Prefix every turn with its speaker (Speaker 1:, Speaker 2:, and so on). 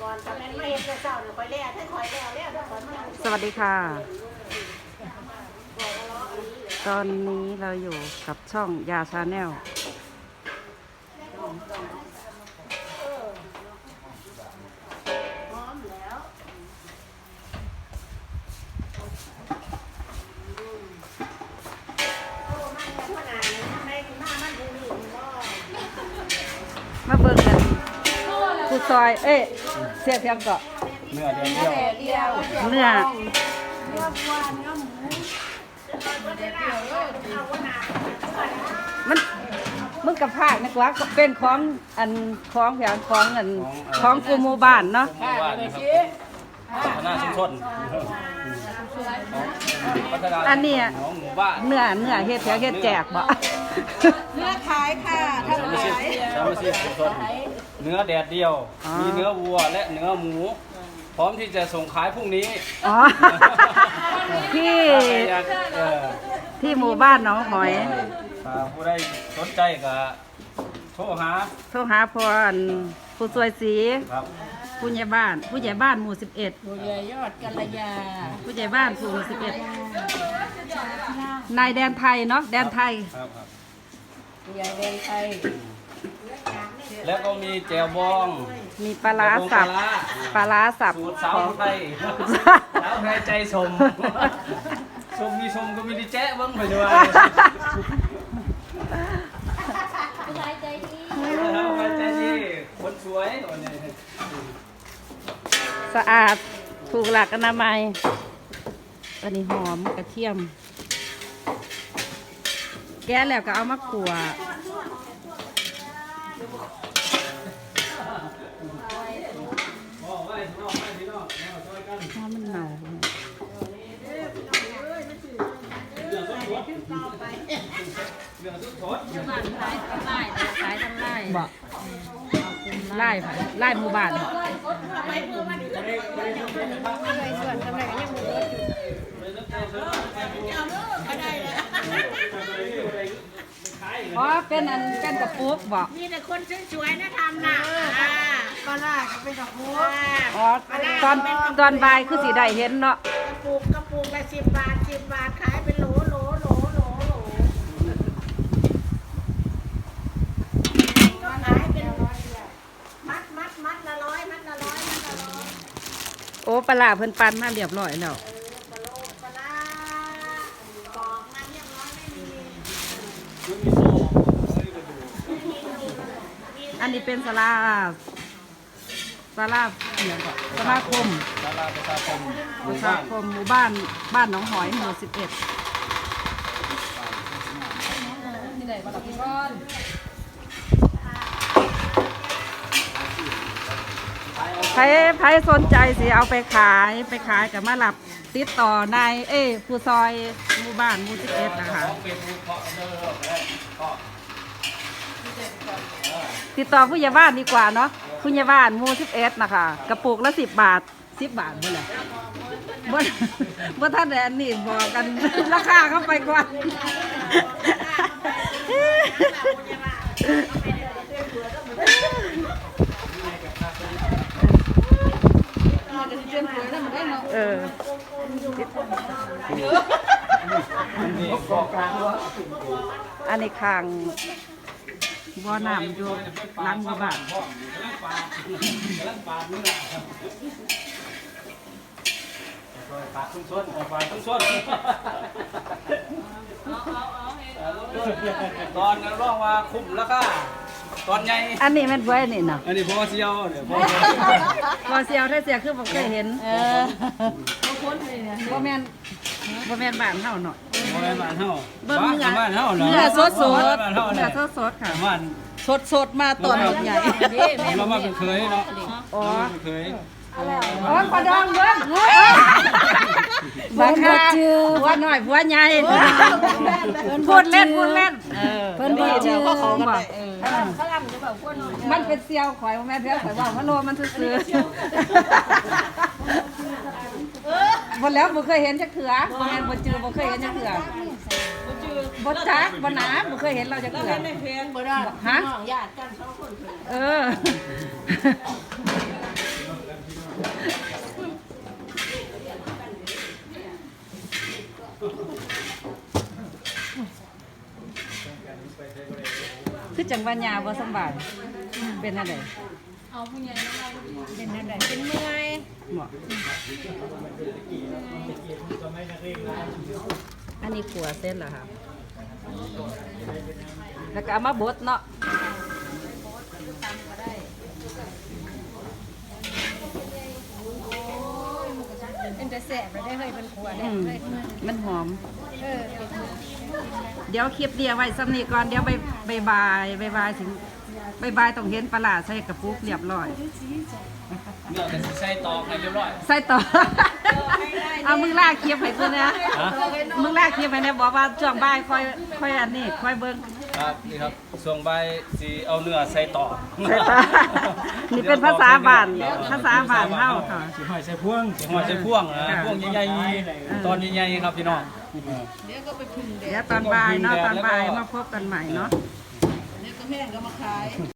Speaker 1: สวัสดีค่ะตอนนี้เราอยู่กับช่องยาชาแนลมาเบิ่งกันผู้ซอยเสียเพียงก็
Speaker 2: เนื้อเดียว
Speaker 1: เนื้อมันกับภาคนะกว่าเป็นของอันของแผงของอันของกูหมู่บ้านเนาะ
Speaker 2: พัฒนาชุมชน
Speaker 1: อันนี้เนื้อเฮ็ดแถวเฮ็ดแจกบ่
Speaker 3: เนื้อขายค่ะทำขาย
Speaker 2: สามสิบชุมชนเนื้อแดดเดียวมีเนื้อวัวและเนื้อหมูพร้อมที่จะส่งขายพรุ่งนี้
Speaker 1: ที่หมู่บ้านหนองหอย
Speaker 2: ผู้ใดสนใจก็โทรหา
Speaker 1: พรผู้สวยสีผู้ใหญ่บ้านหมู่11
Speaker 3: ผู้ใหญ่ยอดกัลยา
Speaker 1: ผู้ใหญ่บ้านหมู่11นายแดนไทยเนาะแดนไทย
Speaker 3: ผู้ใหญ่แดนไทย
Speaker 2: แล้วก็มีแจ่วบอง
Speaker 1: มีปลาร้าสับ
Speaker 2: สูตรสาวไทยใจชมมีชมก็มีดีแจ๊ะบ้างไปด้วย
Speaker 3: ผู้ชายใจดี
Speaker 2: คนสวย
Speaker 1: สะอาดถูกหลักอนามัยอันนี้หอมกระเทียมแกะแล้วก็เอามาขั่วมันเน่าบอกไล่หมู่บ้านอ๋อเป็นกระปุกบอก
Speaker 3: มีแต่คนสวยๆนะทำนะปลาเป็นกระปุก
Speaker 1: อ๋อตอนบ่ายคือสีได้เห็นเนาะ
Speaker 3: กระปุกละ10 บาทขายเป็นโหลขายเป็นมัดละร้อย
Speaker 1: โอ้ปลาเพิ่นปั่นมาเรียบร้อยแล้ว
Speaker 3: ปลาบอกมาเรียบร้อยไม่มี
Speaker 1: อันนี้เป็นสลาอย่างก่อนสลาคมหมู่บ้านหนองหอยหมู่11ที่ไหนบ้านพี่ก้อนใครสนใจสิเอาไปขายกับมาหลับติดต่อนายผู้ซอยหมู่บ้านหมู่11นะคะติดต่อผู้ใหญ่บ้านดีกว่าเนาะผู้ใหญ่บ้านหมู่11นะคะกระปุกละ10 บาท10 บาทเมื่อไหร่เมื่อท่านแดนนี่บอกกันราคาเข้าไปกว่าอันนี้คางบ่อน้ำอยู่หลังบ้าน
Speaker 2: ปากชุ่มตอนนั้นร้องว่าคุ้มแล้วก็ตอนใหญ่
Speaker 1: อันนี้มันบ้วยนี่เนาะ
Speaker 2: อันนี้พอเสียวเดี๋ยว
Speaker 1: พอเสียวถ้าเสียคือผมเคยเห็นบ่แม่นบ้านเฮาเนาะ
Speaker 2: บ่แม่นบ้านเฮา
Speaker 1: บ้าน
Speaker 2: เฮาเนาะ
Speaker 1: เนื้อสดค่ะสดมาตอนใหญ่
Speaker 2: เรามาเป็นเคยเนาะ
Speaker 1: อ๋อ
Speaker 2: เคย
Speaker 1: ปลาดองเบิ้งบังคับหัวหน่อยหัวใหญ่พูดเล่นเพิ่นดีเจ้าก็ของบอกมันเป็นเซียวข่อยแม่เพี้ยข่อยบอกว่าโลมันซื้อบ่แล้วบ่เคยเห็นจักเถื่อบ่แม่นบ่จือบ่เคยเห็นจักเถื่อบ่จักบ่หนาบ่เคยเห็นเราจักเถื่อฮะญาติกัน2 คนว่าญาบ่สำบายเป็นอะไร
Speaker 3: เป็นอะไรเป็นเมื่อย
Speaker 1: เหมาะอันนี้ขัวเส้นเหรอครับแล้วก็เอามาบดเนาะ
Speaker 3: เป็นแต่แสบไปได้เลยเป็นขวด
Speaker 1: อืม
Speaker 3: เลย
Speaker 1: มันหอม
Speaker 3: เออ
Speaker 1: เดี๋ยวคลิปเดียวไว้ซ้ำนี้ก่อนเดี๋ยวบายถึงบายต้องเห็นปลาร้าใส่กระปุกเรียบร้อย
Speaker 2: เนื้อก็สิใส่ตอกให้เรียบร้อย
Speaker 1: ใส่ต่อ เอามึงลากคลิปให้กูนะมึงลากคลิปให้เนี่ยบอกว่าช่วงบ่ายค่อยอันนี้ค่อยเบิ่ง
Speaker 2: ครับนี่ครับส่วงใบสีเอาเนื้อใส่ต่อ
Speaker 1: ใส่ต่อ นี่เป็นภาษาบ้านภาษาบ้านเฮาค่ะ
Speaker 2: สิหอยใส่พ่วงสิหอยใส่พ่วงพ่วงใหญ่ๆตอนใหญ่ๆครับพี่น้อง
Speaker 1: เดี๋ยวตอนบ่ายเนาะตอนบ่ายมาพบกันใหม่เนาะ